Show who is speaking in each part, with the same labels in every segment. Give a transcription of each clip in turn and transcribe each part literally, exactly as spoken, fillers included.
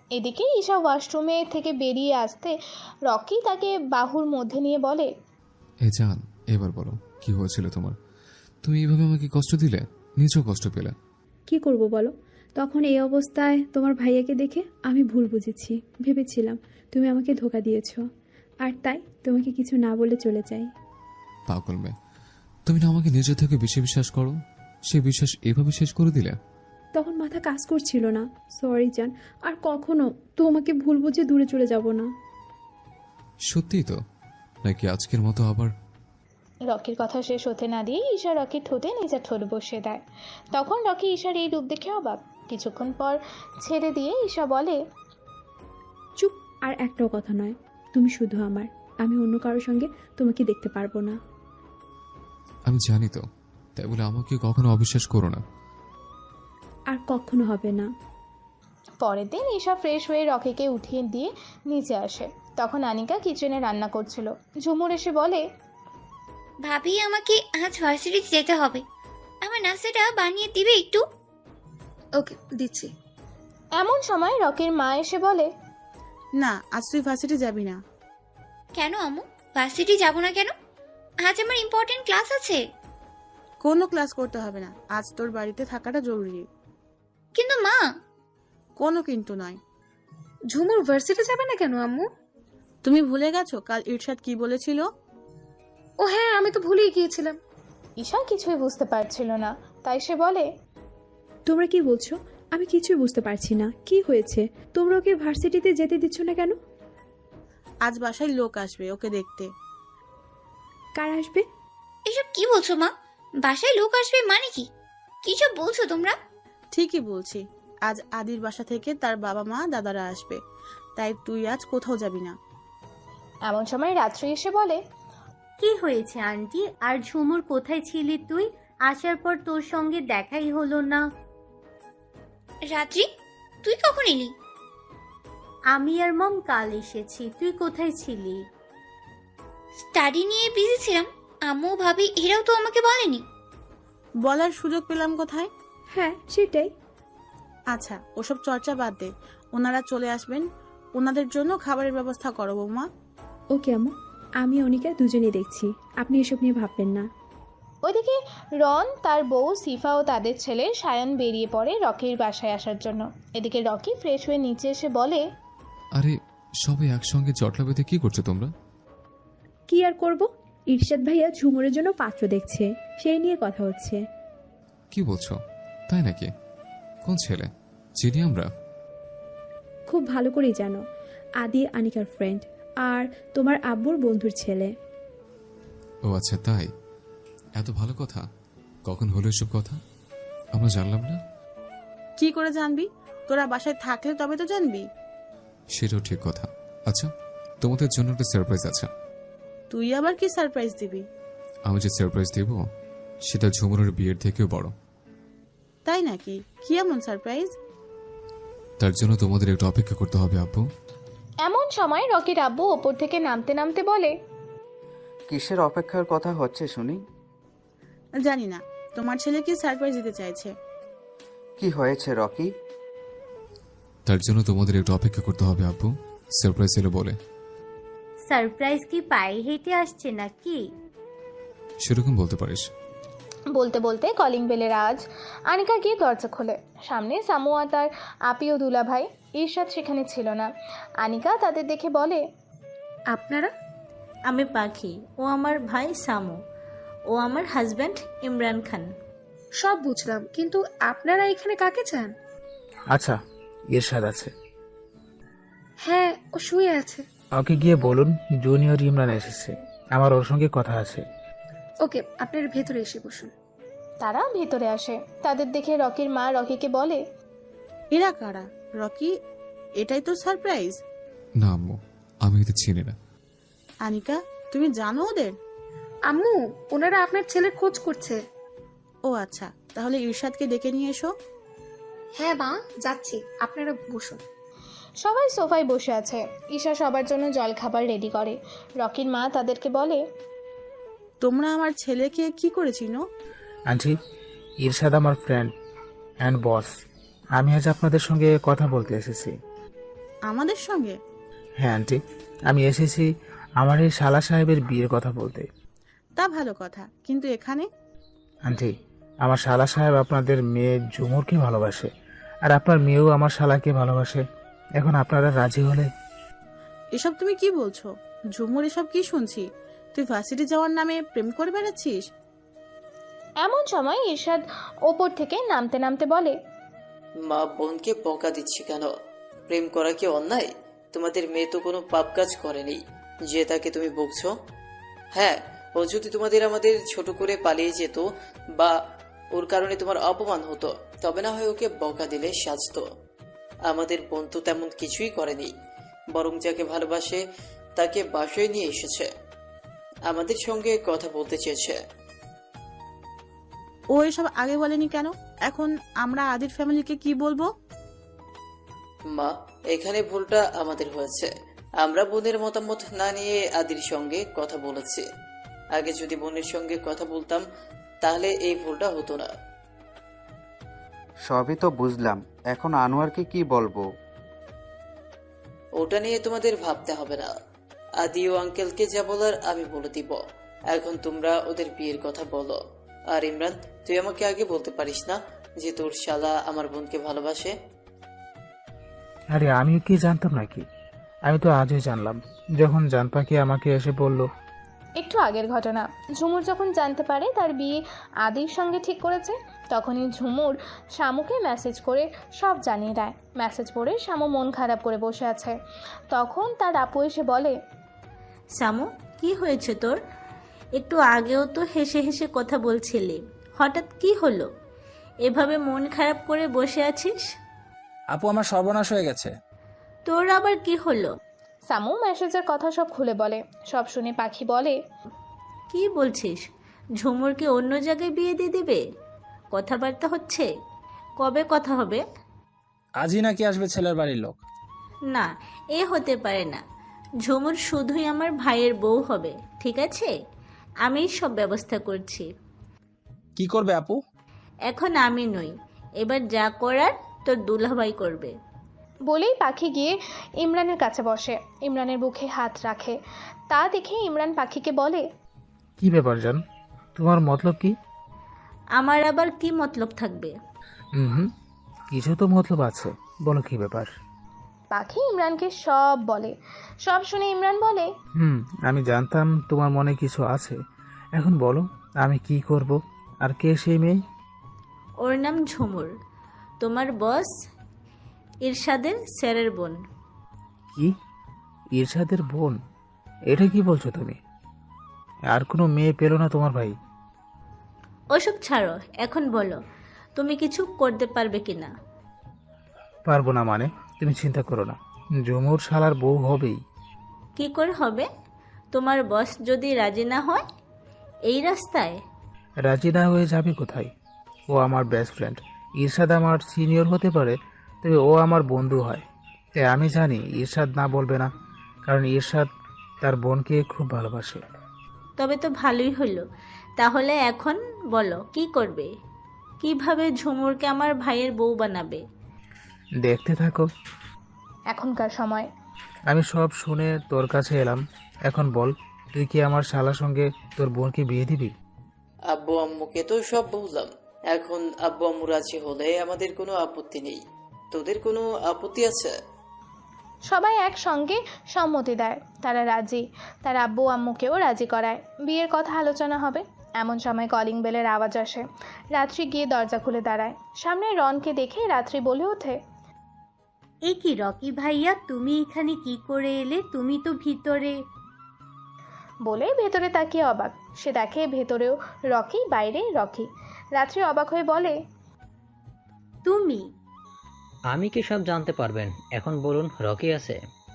Speaker 1: এদিকে ঈশা ওয়াশরুমে থেকে বেরিয়ে আসতে রকি তাকে বাহুর মধ্যে নিয়ে বলে,
Speaker 2: এ জান, এবার বলো কি হয়েছিল তোমার? তুমি এইভাবে আমাকে কষ্ট দিলে, নিজেও কষ্ট পেলে।
Speaker 3: কি করব বলো? তখন এই অবস্থায় তোমার ভাইয়াকে দেখে আমি ভুল বুঝেছি, ভেবেছিলাম তুমি আমাকে ধোকা দিয়েছ, আর তাই তোমাকে কিছু না বলে চলে যাই।
Speaker 2: পাগল মেয়ে, তুমি না আমাকে নিজে থেকে বেশি বিশ্বাস করো, সে বিশ্বাস এভাবে শেষ করে দিলে।
Speaker 3: তখন মাথা কাজ করছিল না, সরি জান, আর কখনো তোমাকে ভুল বুঝে দূরে চলে যাব না।
Speaker 2: সত্যিই তো, নাকি আজকের মতো আবার?
Speaker 1: রকির কথা শেষ হতে না দিয়ে ঈশা রকির ঠোঁটে নিজের ঠোঁট বসিয়ে দেয়। তখন রকি ঈশার এই রূপ দেখে অবাক। কিছুক্ষণ পর ছেড়ে দিয়ে ঈশা বলে,
Speaker 3: চুপ, আর একটাও কথা নয়, তুমি শুধু আমার, আমি অন্য কারোর সঙ্গে তোমাকে দেখতে পারবো না।
Speaker 2: আমি জানি তো, তাই বলে আমাকে কখনো অবিশ্বাস করো না।
Speaker 3: আর কখনো হবে না।
Speaker 1: পরের দিন ঈশা ফ্রেশ হয়ে রকিকে উঠিয়ে দিয়ে নিচে আসে। তখন আনিকা কিচেনে রান্না করছিল। ঝুমুর এসে বলে,
Speaker 4: ভাবি আমাকে আজ ভার্সিটি যেতে হবে, আমার নাস্তাটা বানিয়ে দিবে একটু?
Speaker 5: ওকে, দিচ্ছি।
Speaker 1: এমন সময় রকির মা এসে বলে,
Speaker 5: না, আজ তুই ভার্সিটি যাবি না।
Speaker 4: কেন আম্মু, ভার্সিটি যাব না কেন? আজ আমার ইম্পর্টেন্ট ক্লাস আছে।
Speaker 5: কোনো ক্লাস করতে হবে না, আজ তোর বাড়িতে থাকাটা জরুরি।
Speaker 4: কিন্তু মা।
Speaker 5: কোনো কিন্তু নয়।
Speaker 6: ঝুমুর ভার্সিটি যাবে না কেন আম্মু?
Speaker 5: তুমি ভুলে গেছো কাল ইরশাদ কি বলেছিল?
Speaker 6: ও হ্যাঁ, আমি তো ভুলেই গিয়েছিলাম।
Speaker 1: ঈশা কিছুই বুঝতে পারছিল না, তাই সে বলে,
Speaker 3: তোমরা কি বলছো? আমি কিছুই বুঝতে পারছি না, কি হয়েছে? তোমরা ওকে ভার্সিটিতে যেতে দিচ্ছ না কেন?
Speaker 5: আজ বাসায় লোক আসবে ওকে দেখতে।
Speaker 3: কার আসবে?
Speaker 4: এসব কি বলছো মা? বাসায় লোক আসবে মানে কি? কি সব বলছো তোমরা?
Speaker 5: ঠিকই বলছি, আজ আদির বাসা থেকে তার বাবা মা দাদারা আসবে, তাই তুই আজ কোথাও যাবি না।
Speaker 1: এমন সময় রাত্রি এসে বলে,
Speaker 7: কি হয়েছে আন্টি? আর ঝুমুর কোথায় ছিলি তুই? আসার পর তোর সঙ্গে দেখাই হলো না।
Speaker 4: রাত্রি, তুই কখন এলি?
Speaker 7: আমি আর মম কাল এসেছি, তুই কোথায় ছিলি?
Speaker 4: স্টাডি নিয়ে বিজি ছিলাম। আম্মু ভাবি এরাও তো আমাকে বলেনি।
Speaker 5: বলার সুযোগ পেলাম কোথায়?
Speaker 3: হ্যাঁ, সেটাই।
Speaker 5: আচ্ছা, ওসব চর্চা বাদ দে, ওনারা চলে আসবেন, ওনাদের জন্য খাবারের ব্যবস্থা করো বৌমা।
Speaker 3: ওকে আম্মু, আমি অনিকা দুজনেই দেখছি, আপনি এসব নিয়ে ভাববেন না।
Speaker 1: ওইদিকে রন, তার বউ সিফা ও তাদের ছেলে সায়ন বেরিয়ে পড়ে রকির বাসায় আসার জন্য। এদিকে রকি ফ্রেশ হয়ে নিচে এসে বলে,
Speaker 2: আরে সবাই একসঙ্গে জটলা বেঁধে কি করছো তোমরা?
Speaker 3: কি আর করব, ইরশাদ ভাইয়া ঝুমুরের জন্য পাত্র দেখছে, সেই নিয়ে কথা হচ্ছে।
Speaker 2: কি বলছো? তাই নাকি? কোন ছেলে? চিনি আমরা?
Speaker 3: খুব ভালো করেই জানো, আদি আনিকার ফ্রেন্ড, আর তোমার আব্বুর বন্ধুর ছেলে।
Speaker 2: ও আচ্ছা, তাই? এত ভালো কথা, কখন হলো এসব কথা? আমরা জানলাম না।
Speaker 5: কি করে জানবি? তোরা বাসায় থাকলে তবে তো জানবি।
Speaker 2: সেটাও ঠিক কথা। আচ্ছা, তোমাদের জন্য একটা সারপ্রাইজ আছে।
Speaker 5: তুই আবার কি সারপ্রাইজ দিবি?
Speaker 2: আমি যে সারপ্রাইজ দেব সেটা ঝুমুরের বিয়ের থেকেও বড়।
Speaker 5: তাই নাকি? কি এমন সারপ্রাইজ?
Speaker 2: তার জন্য তোমাদের একটু অপেক্ষা করতে হবে আব্বু।
Speaker 1: এমন সময় রকির আব্বু ওপর থেকে নামতে নামতে বলে,
Speaker 8: কিসের অপেক্ষার কথা হচ্ছে শুনি?
Speaker 5: জানি না, তোমার ছেলে কি সারপ্রাইজ দিতে চাইছে।
Speaker 8: কি হয়েছে রকি?
Speaker 2: তার জন্য তোমাদের একটু অপেক্ষা করতে হবে আব্বু, সারপ্রাইজ এলো বলে।
Speaker 7: সারপ্রাইজ কি পায়ে হেঁটে আসছে নাকি?
Speaker 2: সেরকম বলতে পারিস।
Speaker 1: বলতে বলতে কলিং বেলের আওয়াজ। আনিকা গিয়ে দরজা খোলে। সামনে সামুয়া, তার আপি ও দুলাভাই। ইরশাদ সেখানে ছিল না। আনিকা তাদের দেখে বলে,
Speaker 9: আপনারা? আমি পাখি, ও আমার ভাই সামু, ও আমার হাজব্যান্ড ইমরান খান।
Speaker 6: সব বুঝলাম, কিন্তু আপনারা এখানে কাকে চান?
Speaker 10: আচ্ছা, ইরশাদ আছে।
Speaker 6: হ্যাঁ, ও শুয়ে আছে।
Speaker 10: ওকে গিয়ে বলুন জুনিয়র ইমরান এসেছে, আমার ওর সঙ্গে কথা আছে।
Speaker 6: ওকে, আপনারা ভেতরে এসে বসুন।
Speaker 1: তারা ভেতরে আসে। তাদের দেখে রকির মা রকিকে বলে,
Speaker 5: এরা কারা? রকি, এটাই তো সারপ্রাইজ?
Speaker 2: না আম্মু, আমি এদের চিনি না।
Speaker 5: আনিকা, তুমি জানো ওদের?
Speaker 6: আম্মু, ওনারা আপনার ছেলের খোঁজ করছে।
Speaker 5: ও আচ্ছা, তাহলে ইরশাদকে ডেকে নিয়ে এসো।
Speaker 6: হ্যাঁ মা, যাচ্ছি, আপনারা বসুন।
Speaker 1: সবাই সোফায় বসে আছে। ঈশা সবার জন্য জল খাবার রেডি করে। রকির মা তাদেরকে বলে,
Speaker 5: তোমরা আমার ছেলেকে কি করে চিনো?
Speaker 10: আন্টি, ইরশাদ আমার ফ্রেন্ড অ্যান্ড বস। আমি আজ আপনাদের সঙ্গে কথা বলতে এসেছি।
Speaker 5: আমাদের সঙ্গে?
Speaker 10: হ্যাঁ আন্টি, আমি এসেছি আমার এই শালা সাহেবের বিয়ের কথা বলতে।
Speaker 5: তা ভালো কথা, কিন্তু এখানে?
Speaker 10: আন্টি, আমার শালা সাহেব আপনাদের মেয়ে ঝুমুরকে ভালোবাসে, আর আপনার মেয়েও আমার শালাকে ভালোবাসে। এখন আপনারা রাজি হলে।
Speaker 5: এসব তুমি কি বলছো? ঝুমুর, এসব কি শুনছি? তুই ভার্সিটি যাওয়ার নামে প্রেম করে বেড়াচ্ছিস?
Speaker 1: এমন সময় ইরশাদ ওপর থেকে নামতে নামতে বলে,
Speaker 11: মা বোনকে বকা দিচ্ছে কেন? প্রেম করা কি অন্যায়? তোমাদের মেয়ে তো কোনো পাপ কাজ করেনি যে তাকে তুমি বকছো। হ্যাঁ, ও যদি তোমাদের আমাদের ছোট করে পালিয়ে যেত বা ওর কারণে তোমার অপমান হতো, তবে না হয় ওকে বকা দিলে সাজতো। আমাদের বোন তো তেমন কিছুই করেনি, বরং যাকে ভালোবাসে তাকে বাসায় নিয়ে এসেছে, আমাদের সঙ্গে কথা বলতে চেয়েছে।
Speaker 5: ও এসব আগে বলেনি কেন? এখন আমরা আদির ফ্যামিলিকে কি বলবো?
Speaker 11: মা, এখানে ভুলটা আমাদের হয়েছে। আমরা বোনের মতামত না নিয়ে আদির সঙ্গে কথা বলেছি। আগে যদি বোনের সঙ্গে কথা বলতাম তাহলে এই ভুলটা হতো না।
Speaker 8: সবই তো বুঝলাম, এখন আনোয়ারকে কি বলবো?
Speaker 11: ওটা নিয়ে তোমাদের ভাবতে হবে না। আদি ও আঙ্কেলকে যা বলার আমি বলে দিব। এখন তোমরা ওদের বিয়ের কথা বলো। আর ইমরান, তুই আমাকে আগে বলতে পারিস না যে তোর শালা আমার বোনকে ভালোবাসে?
Speaker 10: আরে আমিও কি জানতাম নাকি? আমি তো আজই জানলাম, যখন জানপাখি আমাকে এসে বলল।
Speaker 1: একটু আগের ঘটনা। ঝুমুর যখন জানতে পারে তার বিয়ে আদির সঙ্গে ঠিক করেছে, তখনই ঝুমুর শামুকে মেসেজ করে সব জানিয়ে দেয়। মেসেজ পড়ে শামু মন খারাপ করে বসে আছে। তখন তার আপু এসে বলে,
Speaker 9: সামু, কি হয়েছে তোর? একটু আগেও তো হেসে হেসে কথা বলছিলি, হঠাৎ কি হলো? এভাবে মন খারাপ করে বসে আছিস?
Speaker 12: আপু, আমার সর্বনাশ হয়ে গেছে।
Speaker 9: তোর আবার কি হলো?
Speaker 1: সামু মেসেজের কথা সব খুলে বলে। সব শুনে পাখি বলে,
Speaker 9: কি বলছিস? ঝুমুরকে অন্য জায়গায় বিয়ে দিয়ে দিবে? কথাবার্তা হচ্ছে? কবে কথা হবে?
Speaker 12: আজই নাকি আসবে ছেলের বাড়ির লোক?
Speaker 9: না, এ হতে পারে না। ঝুমুর শুধুই আমার ভাইয়ের বউ হবে, ঠিক আছে? আমিই সব ব্যবস্থা করছি।
Speaker 12: কি করবে আপু?
Speaker 9: এখন আমি নই, এবার যা করার তোর দুলাভাই করবে।
Speaker 1: বলেই পাখি গিয়ে ইমরানের কাছে বসে। ইমরানের বুকে হাত রাখে। তা দেখে ইমরান পাখিকে বলে,
Speaker 10: কি ব্যাপার জান, তোমার মতলব কি?
Speaker 9: আমার আবার কি মতলব থাকবে?
Speaker 10: হুম, কিছু তো মতলব আছে, বলো কি ব্যাপার?
Speaker 1: পাখি ইমরানকে সব বলে। সব শুনে ইমরান বলে,
Speaker 10: হুম, আমি জানতাম তোমার মনে কিছু আছে। এখন বলো আমি কি করব? আর কে সেই মেয়ে?
Speaker 9: ওর নাম ঝুমুর, তোমার বস ইরশাদের স্যারের বোন।
Speaker 10: কি? ইরশাদের বোন? এটা কি বলছো তুমি? আর কোনো মেয়ে পেলো না তোমার ভাই?
Speaker 9: ওসব ছাড়ো, এখন বলো তুমি কিছু করতে পারবে কিনা?
Speaker 10: পারবো না মানে? তুমি চিন্তা করো না, ঝুমুর শালার বউ হবেই।
Speaker 9: কি করে হবে? তোমার বস যদি রাজি না হয় এই রাস্তায়?
Speaker 10: রাজি না হয়ে যাবে কোথায়? ও আমার বেস্ট ফ্রেন্ড। ইরশাদ আমার সিনিয়র হতে পারে, তবে ও আমার বন্ধু হয়। তাই আমি জানি ইরশাদ না বলবে না, কারণ ইরশাদ তার বোনকে খুব ভালোবাসে।
Speaker 9: তবে তো ভালোই হলো। তাহলে এখন বলো কি করবে? কিভাবে ঝুমুরকে আমার ভাইয়ের বউ বানাবে?
Speaker 10: দেখতে থাকো।
Speaker 1: এখনকার সময়।
Speaker 10: আমি সব শুনে তোর কাছে এলাম। এখন বল, তুই কি আমার শালার সঙ্গে তোর বোনকে বিয়ে দিবি?
Speaker 11: আব্বু আম্মুকে তো সব বললাম। এখন আব্বু আম্মু রাজি হলে আমাদের কোনো আপত্তি নেই। তোদের কোনো আপত্তি আছে?
Speaker 1: সবাই একসঙ্গে সম্মতি দেয়। তারা রাজি। তার আব্বু আম্মুকেও রাজি করায়। বিয়ের কথা আলোচনা হবে। এমন সময় কলিং বেলের আওয়াজ আসে। রাত্রি গিয়ে দরজা খুলে দাঁড়ায়। সামনে রনকে দেখে রাত্রি বলে ওঠে,
Speaker 7: এ কি রকি ভাইয়া, তুমি এখানে কি করে এলে? তুমি তো ভিতরে।
Speaker 1: বলে ভেতরে তাকিয়ে অবাক। সে দেখে ভেতরেও রকি, বাইরে রকি। রাত্রি অবাক হয়ে বলে,
Speaker 7: তুমি?
Speaker 13: আমি কি সব জানতে পারবেন? এখন বলুন, রকি আছে?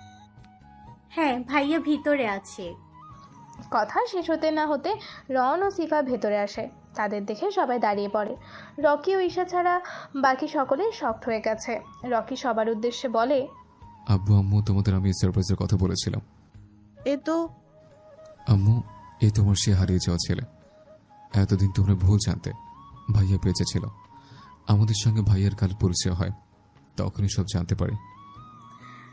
Speaker 7: হ্যাঁ, ভাইয়া ভিতরে আছে।
Speaker 1: কথা শেষ হতে না হতে রন ও সিফা ভেতরে আসে। তাদের দেখে সবাই দাঁড়িয়ে পড়ে। রকি ও ঈশা ছাড়া বাকি সকলে শক্ট হয়ে গেছে। রকি সবার উদ্দেশ্যে বলে,
Speaker 2: আব্বু আম্মু, তোমাদের আমি সারপ্রাইজের কথা বলেছিলাম।
Speaker 5: এ তো
Speaker 2: আম্মু, এই তোমার সে হারিয়ে যাওয়া ছেলে। এতদিন তোমরা ভুল জানতে। ভাইয়া বেঁচে ছিল। আমাদের সঙ্গে ভাইয়ার কাল পরিচয় হয়, তখনই সব জানতে পারি।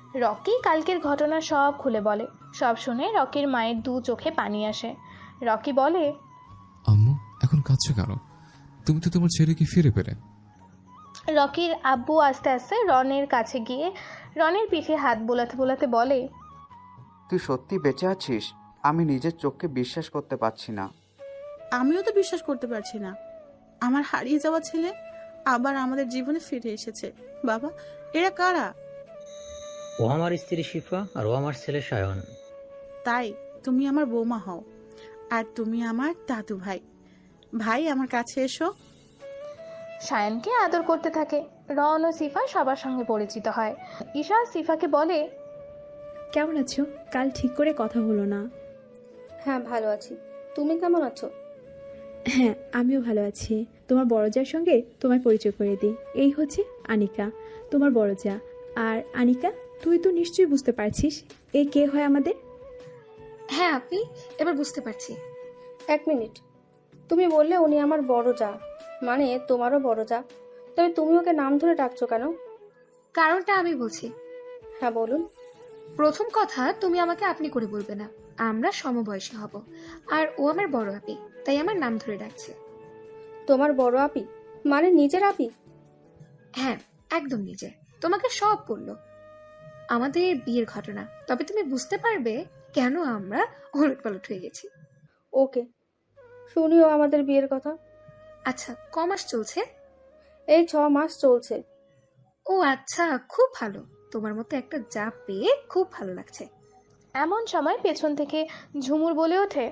Speaker 1: রকি কালকের ঘটনা সব খুলে বলে। সব শুনে রকির মায়ের দু চোখে পানি আসে। রকি বলে,
Speaker 2: আম্মু এখন কাঁদছো কেন? তুমি তো তোমার ছেলেকে ফিরে পেলে।
Speaker 1: রকির আব্বু আস্তে আস্তে রনের কাছে গিয়ে রনের পিঠে হাত বোলাতে বোলাতে বলে,
Speaker 8: তুই সত্যি বেঁচে আছিস? আমি নিজের চোখকে বিশ্বাস করতে পারছি না।
Speaker 5: আমিও তো বিশ্বাস করতে পারছি না, আমার হারিয়ে যাওয়া ছেলে আবার আমাদের জীবনে ফিরে এসেছে। বাবা, এরা কারা?
Speaker 13: ও আমার স্ত্রী শিফা আর ও আমার ছেলে সায়ন।
Speaker 5: তাই তুমি আমার বৌমা হও আর তুমি আমার দাদু ভাই। ভাই আমার কাছে এসো।
Speaker 1: সায়নকে আদর করতে থাকে। রন ও সিফা সবার সঙ্গে পরিচিত হয়। ঈশা সিফাকে বলে,
Speaker 3: কেমন আছো? কাল ঠিক করে কথা হলো না।
Speaker 6: হ্যাঁ ভালো আছি, তুমি কেমন আছো?
Speaker 3: হ্যাঁ, আমিও ভালো আছি। তোমার বড় যার সঙ্গে তোমার পরিচয় করে দিই। এই হচ্ছে আনিকা, তোমার বড় যা। আর আনিকা, তুই তো নিশ্চয়ই বুঝতে পারছিস এ কে হয় আমাদের।
Speaker 6: হ্যাঁ আপনি, এবার বুঝতে পারছি। এক মিনিট, তুমি বললে উনি আমার বড় যা, মানে তোমারও বড় যা, তবে তুমি ওকে নাম ধরে ডাকছো কেন? কারণটা আমি বলছি। হ্যাঁ বলুন। প্রথম কথা, তুমি আমাকে আপনি করে বলবে না, আমরা সমবয়সী হব। আর ও আমার বড় আপি, তাই আমার নাম ধরে ডাকছে। তোমার বড় আপি মানে নিজের আপি? হ্যাঁ একদম নিজের। তোমাকে সব বললো আমাদের বিয়ের ঘটনা, তবে তুমি বুঝতে পারবে কেন আমরা ওলট পালট হয়ে গেছি। ওকে, শুনিও আমাদের বিয়ের কথা। আচ্ছা, ক মাস চলছে? এই ছ মাস চলছে। ও আচ্ছা, খুব ভালো। তোমার মতো একটা যা পেয়ে খুব ভালো লাগছে।
Speaker 1: এমন সময় পেছন থেকে ঝুমুর বলে ওঠে,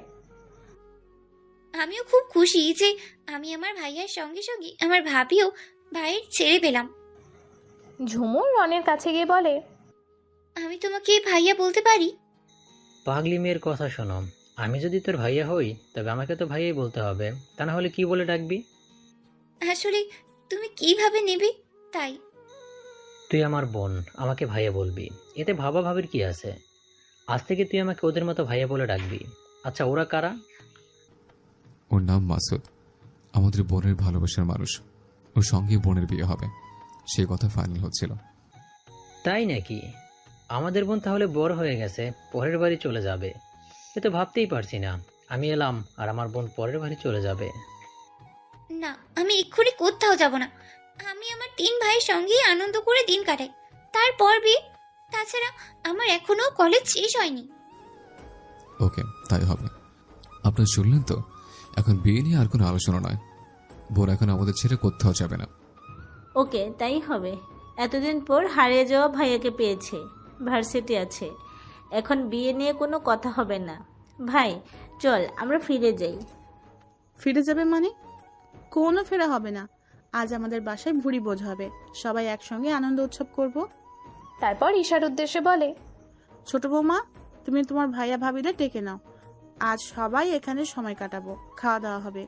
Speaker 4: আমিও খুব খুশি যে আমি আমার ভাইয়ার সঙ্গে সঙ্গে আমার ভাবিও ভাইয়ের ছেড়ে পেলাম।
Speaker 1: ঝুমুর রনের কাছে গিয়ে বলে,
Speaker 4: আমি তোমাকে ভাইয়া বলতে পারি?
Speaker 13: পাগলি মেয়ের কথা শোনো, আমি যদি তোর ভাইয়া হই তবে আমাকে তো ভাইয়াই বলতে হবে, তা না হলে কি বলে ডাকবি?
Speaker 4: আসলে তুমি কিভাবে নেবে তাই।
Speaker 13: তুই আমার বোন, আমাকে ভাইয়া বলবি, এতে ভাবা ভাবির কি আছে? আজ থেকে তুই আমাকে ওদের মতো ভাইয়া বলে ডাকবি। আচ্ছা, ওরা কারা?
Speaker 2: ওর নাম মাসুদ, আমাদের বোনের ভালোবাসার মানুষ। ওর সঙ্গে বোনের বিয়ে হবে, সে কথা ফাইনাল হচ্ছিল।
Speaker 13: তাই নাকি? আমাদের বোন তাহলে বড় হয়ে গেছে, পরের বাড়ি চলে যাবে। এ তো ভাবতেই পারছি না, আমি এলাম আর আমার বোন পরের বাড়ি চলে যাবে।
Speaker 4: না, আমি এক্ষুনি কোথাও যাব না। আমি আমার তিন ভাইয়ের সঙ্গেই আনন্দ করে দিন কাটাই, তারপর বিয়ে। তাছাড়া আমার এখনো কলেজ শেষ হয়নি।
Speaker 2: ওকে, তাই হবে। আপনার শুনলেন তো, এখন বিয়ে নিয়ে আর কোনো আলোচনা নয়। বোন এখন আমাদের ছেড়ে কোথাও যাবে না।
Speaker 9: ওকে, তাই হবে। এতদিন পর হারিয়ে যাওয়া ভাইয়াকে পেয়েছে, ভার্সিটি আছে, এখন বিয়ে নিয়ে কোনো কথা হবে না। ভাই চল আমরা ফিরে যাই।
Speaker 5: ফিরে যাবে মানে? কোনো ফেরা হবে না। আজ আমাদের বাসায় ভুড়ি বোঝ হবে, সবাই একসঙ্গে আনন্দ উৎসব করব।
Speaker 1: তারপর ঈশার উদ্দেশ্যে বলে,
Speaker 5: ছোট বৌমা, তুমি তোমার ভাইয়া ভাবিদের ডেকে নাও। আজ সবাই এখানে সময় কাটাবো, খাওয়া দাওয়া হবে।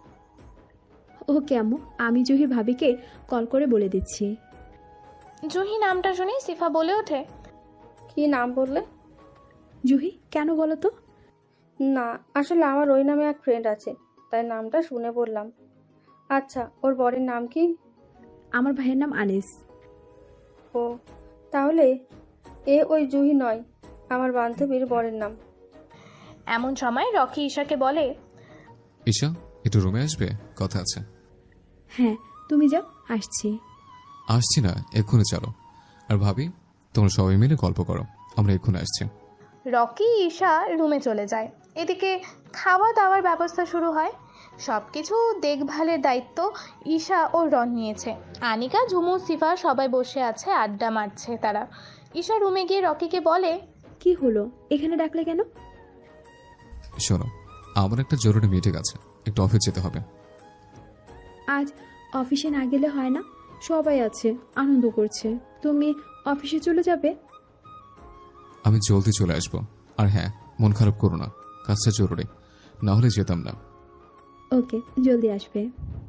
Speaker 3: ওকে আম্মু, আমি জুহি ভাবিকে কল করে বলে দিচ্ছি।
Speaker 1: জুহি নামটা শুনে সিফা বলে ওঠে,
Speaker 6: কি নাম বললে?
Speaker 3: জুহি, কেন বলো তো?
Speaker 6: না, আসলে আমার ওই নামে এক ফ্রেন্ড আছে, তাই নামটা শুনে বললাম। আচ্ছা, ওর বরের নাম কি?
Speaker 3: আমার ভাইয়ের নাম আনিস।
Speaker 6: ও, তাহলে এ ওই জুহি নয়, আমার বান্ধবীর বরের নাম।
Speaker 1: এমন সময় রকি ঈশাকে বলে,
Speaker 2: ঈশা, একটু রুমে আসবে, কথা আছে।
Speaker 3: হ্যাঁ, তুমি যাও, আসছি।
Speaker 2: আসছি না, এক্ষুনি চলো। আর ভাবি, তোমরা সবাই মিলে গল্প করো, আমরা এক্ষুনি আসছি।
Speaker 1: রকি ঈশা রুমে চলে যায়। এদিকে খাওয়া দাওয়ার ব্যবস্থা শুরু হয়। সব কিছু দেখভালের দায়িত্ব ঈশা ও রন নিয়েছে। আনিকা, ঝুমু, সিফা সবাই বসে আছে, আড্ডা মারছে তারা। ঈশা রুমে গিয়ে রকিকে বলে,
Speaker 3: কি হলো, এখানে ডাকলে কেন?
Speaker 2: শোনো, আমার একটা জরুরি মিটিং আছে, একটু অফিস যেতে হবে।
Speaker 3: আজ অফিসে না গেলে হয় না? সবাই আছে, আনন্দ করছে, তুমি অফিসে চলে যাবে?
Speaker 2: আমি জলদি চলে আসবো। আর হ্যাঁ, মন খারাপ করো না, কাজটা জরুরি, না হলে যেতাম না।
Speaker 3: ওকে, জলদি আসবে।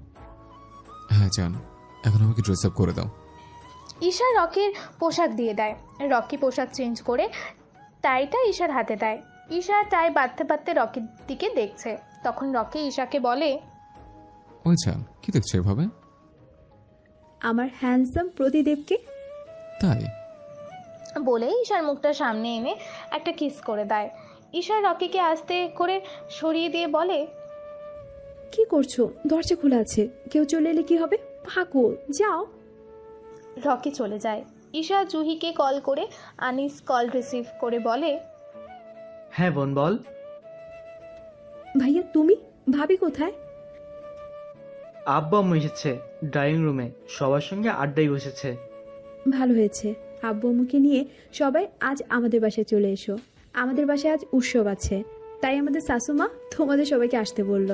Speaker 2: হ্যাঁ জান, এখন আমাকে ড্রেস আপ করে দাও।
Speaker 1: ঈশা রকির পোশাক দিয়ে দেয়। রকি পোশাক চেঞ্জ করে টাইটা ঈশার হাতে দেয়। ঈশা টাই বাঁধতে বাঁধতে রকির দিকে দেখছে। তখন রকি ঈশাকে বলে,
Speaker 2: ওই জান, কি দেখছো এভাবে?
Speaker 3: আমার হ্যান্ডসাম প্রতিদেবকে।
Speaker 2: তাই?
Speaker 1: বলে ঈশার মুখটা সামনে এনে একটা কিস করে দেয়। ঈশা রকিকে আস্তে করে সরিয়ে দিয়ে বলে,
Speaker 3: কি করছো? দরজা খোলা আছে, কেউ চলে এলে কি হবে? পাগল, যাও।
Speaker 1: রকি চলে যায়। ঈশা জুহিকে কল করে আনিস কল রিসিভ করে বলে,
Speaker 14: হ্যাঁ বোন বল।
Speaker 3: ভাইয়া তুমি? ভাবি কোথায়?
Speaker 14: আব্বু আম্মু এসেছে ড্রয়িং রুমে, সবার সঙ্গে আড্ডায় বসেছে।
Speaker 3: ভালো হয়েছে, আব্বু আম্মুকে নিয়ে সবাই আজ আমাদের বাসায় চলে এসো। আমাদের বাসায় আজ উৎসব আছে, তাই আমাদের শাশুমা তোমাদের সবাইকে আসতে বলল।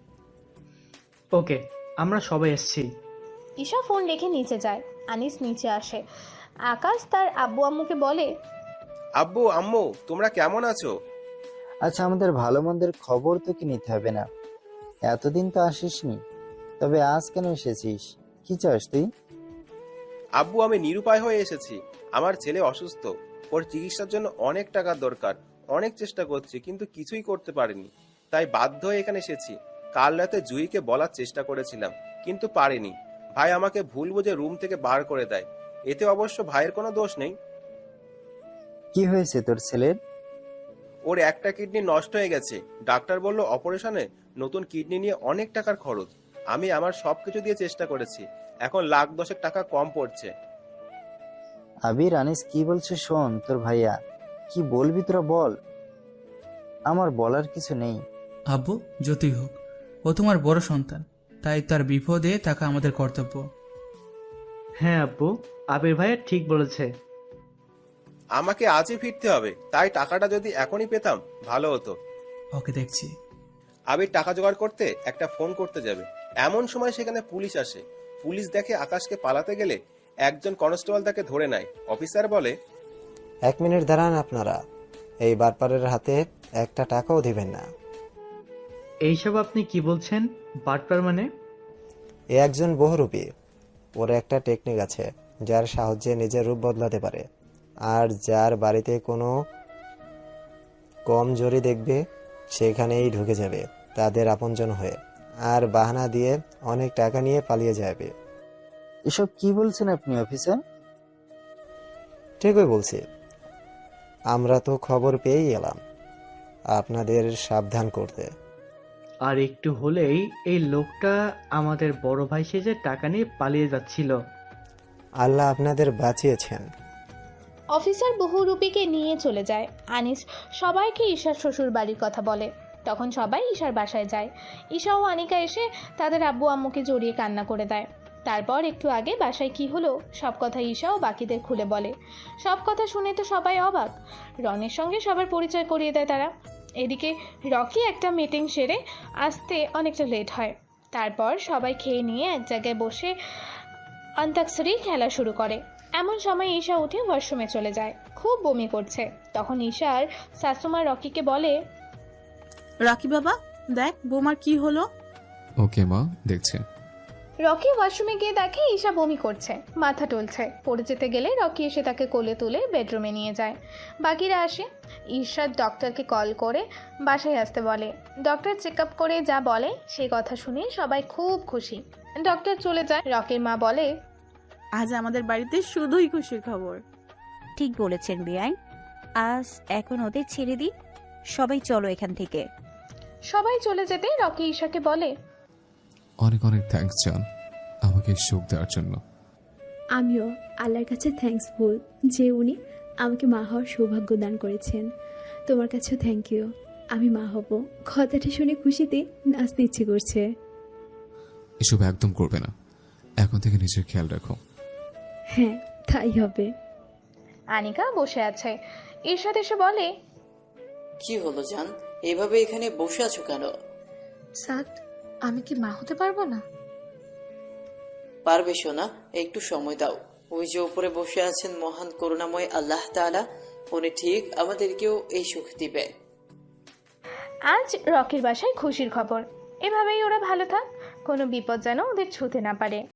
Speaker 14: ওকে, আমরা সবাই এসেছি।
Speaker 1: ঈশা ফোন রেখে নিচে যায়। আনিস নিচে আসে। আকাশ তার আব্বু আম্মুকে বলে,
Speaker 15: আব্বু আম্মু তোমরা কেমন আছো?
Speaker 16: আচ্ছা, আমাদের ভালো মন্দের খবর তো কি নিতে হবে না? এতদিন তো আসিসনি, তবে আজ কেন এসেছিস? কি চাস তুই?
Speaker 15: আব্বু আমি নিরুপায় হয়ে এসেছি। আমার ছেলে অসুস্থ, ওর চিকিৎসার জন্য অনেক টাকার দরকার। অনেক চেষ্টা করছি কিন্তু কিছুই করতে পারিনি, তাই বাধ্য হয়ে এখানে এসেছি। কাল রাতে জুইকে বলার চেষ্টা করেছিলাম কিন্তু পারিনি। ভাই আমাকে ভুল বুঝে রুম থেকে বার করে দেয়। এতে অবশ্য ভাইয়ের কোনো দোষ নেই।
Speaker 16: কি হয়েছে তোর ছেলের?
Speaker 15: ওর একটা কিডনি নষ্ট হয়ে গেছে। ডাক্তার বলল অপারেশনে নতুন কিডনি নিয়ে অনেক টাকার খরচ। আমি আমার সবকিছু দিয়ে চেষ্টা করেছি, এখন লাখ দশেক টাকা কম পড়ছে।
Speaker 16: আবির, আনিস কি বলছে শোন, তোর ভাইয়া কি বলবি তোরা বল, আমার বলার কিছু নেই।
Speaker 17: আব্বু, যতই হোক ও তোমার বড় সন্তান, তাই তার বিপদে থাকা আমাদের কর্তব্য।
Speaker 14: হ্যাঁ আব্বু, আবির ভাইয়া ঠিক বলেছে।
Speaker 15: আমাকে আজই ফিরতে হবে, তাই টাকাটা যদি এখনই পেতাম ভালো হতো।
Speaker 17: ওকে, দেখছি।
Speaker 15: আবির টাকা জোগাড় করতে একটা ফোন করতে যাবে, এমন সময় সেখানে পুলিশ আসে। পুলিশ দেখে আকাশকে পালাতে গেলে একজন কনস্টেবল তাকে ধরে নেয়। অফিসার বলে,
Speaker 18: এক মিনিট দাঁড়ান আপনারা, এই বাটপারের হাতে একটা টাকাও দিবেন না।
Speaker 14: এইসব আপনি কি বলছেন? বাটপার মানে?
Speaker 18: এ একজন বহুরূপী, ওর একটা টেকনিক আছে যার সাহায্যে নিজের রূপ বদলাতে পারে, আর যার বাড়িতে কোনো কম জরি দেখবে সেখানেই ঢুকে যাবে তাদের আপনজন হয়ে, আর বাহানা দিয়ে অনেক টাকা নিয়ে পালিয়ে যাবে।
Speaker 16: এসব কি বলছেন আপনি অফিসার?
Speaker 18: ঠিকই বলছি, আমরা তো খবর পেয়েই এলাম আপনাদের সাবধান করতে।
Speaker 14: আর একটু হলেই এই লোকটা আমাদের বড় ভাই সেজে টাকা নিয়ে পালিয়ে যাচ্ছিল।
Speaker 18: আল্লাহ আপনাদের বাঁচিয়েছেন।
Speaker 1: অফিসার বহুরূপীকে নিয়ে চলে যায়। আনিস সবাইকে ঈশার শ্বশুর বাড়ির কথা বলে। তখন সবাই ঈশার বাসায় যায়। ঈশা ও আনিকা এসে তাদের আব্বু আম্মুকে জড়িয়ে কান্না করে দেয়। তারপর একটু আগে বাসায় কি হলো সব কথা ঈশা ও বাকিদের খুলে বলে। সব কথা শুনে তো সবাই অবাক। রনের সঙ্গে সবার পরিচয় করিয়ে দেয় তারা। এদিকে রকি একটা মিটিং সেরে আসতে অনেকটা লেট হয়। তারপর সবাই খেয়ে নিয়ে এক জায়গায় বসে অন্তাক্ষরী খেলা শুরু করে। এমন সময় ঈশা উঠে ওয়াশরুমে চলে যায়, খুব বমি করছে। তখন ঈশার শাশুমা রকিকে বলে,
Speaker 5: রকি বাবা দেখ বোমার কি হলো।
Speaker 2: ওকে মা, দেখছে।
Speaker 1: রকি ওয়াশরুমে গিয়ে দেখে ঈশা বমি করছে, মাথা টলছে। পড়ে যেতে গেলে রকি এসে তাকে কোলে তুলে বেডরুমে নিয়ে যায়। বাকিরা আসে। ঈশার ডক্টরকে কল করে বাসায় আসতে বলে। ডক্টর চেক আপ করে যা বলে সেই কথা শুনে সবাই খুব খুশি। ডক্টর চলে যায়। রকির মা বলে,
Speaker 5: আজ আমাদের বাড়িতে শুধুই খুশির খবর।
Speaker 19: ঠিক বলেছেন বিয়াই, আজ এখন ওদের ছেড়ে দিই, সবাই চলো এখান থেকে।
Speaker 1: সবাই চলে যেতে রকি ঈশাকে বলে,
Speaker 2: অনেক অনেক থ্যাঙ্কস জান, আমাকে সুখ দেওয়ার জন্য।
Speaker 3: আমিও আল্লাহর কাছে থ্যাঙ্কসফুল যে উনি আমাকে মা হওয়ার সৌভাগ্য দান করেছেন। তোমার কাছেও থ্যাংক ইউ, আমি মা হব। কথাটা শুনে খুশিতে নাচতে ইচ্ছে করছে।
Speaker 2: এসব একদম করবে না, এখন থেকে নিজের খেয়াল রাখো।
Speaker 3: হ্যাঁ, তাই হবে।
Speaker 1: আনিকা বসে আছে। ঈশাদ এসে বলে,
Speaker 11: কি হলো জান, এভাবে এখানে বসে আছো কেন?
Speaker 6: সাদ, আমি কি মা হতে পারবো না?
Speaker 11: পারবে সোনা, একটু সময় দাও। ওই যে উপরে বসে আছেন মহান করুণাময় আল্লাহ তাআলা, উনি ঠিক আমাদেরকেও এই সুখ দিবে।
Speaker 1: আজ রকির বাসায় খুশির খবর। এভাবেই ওরা ভালো থাক, কোনো বিপদ যেন ওদের ছুঁতে না পারে।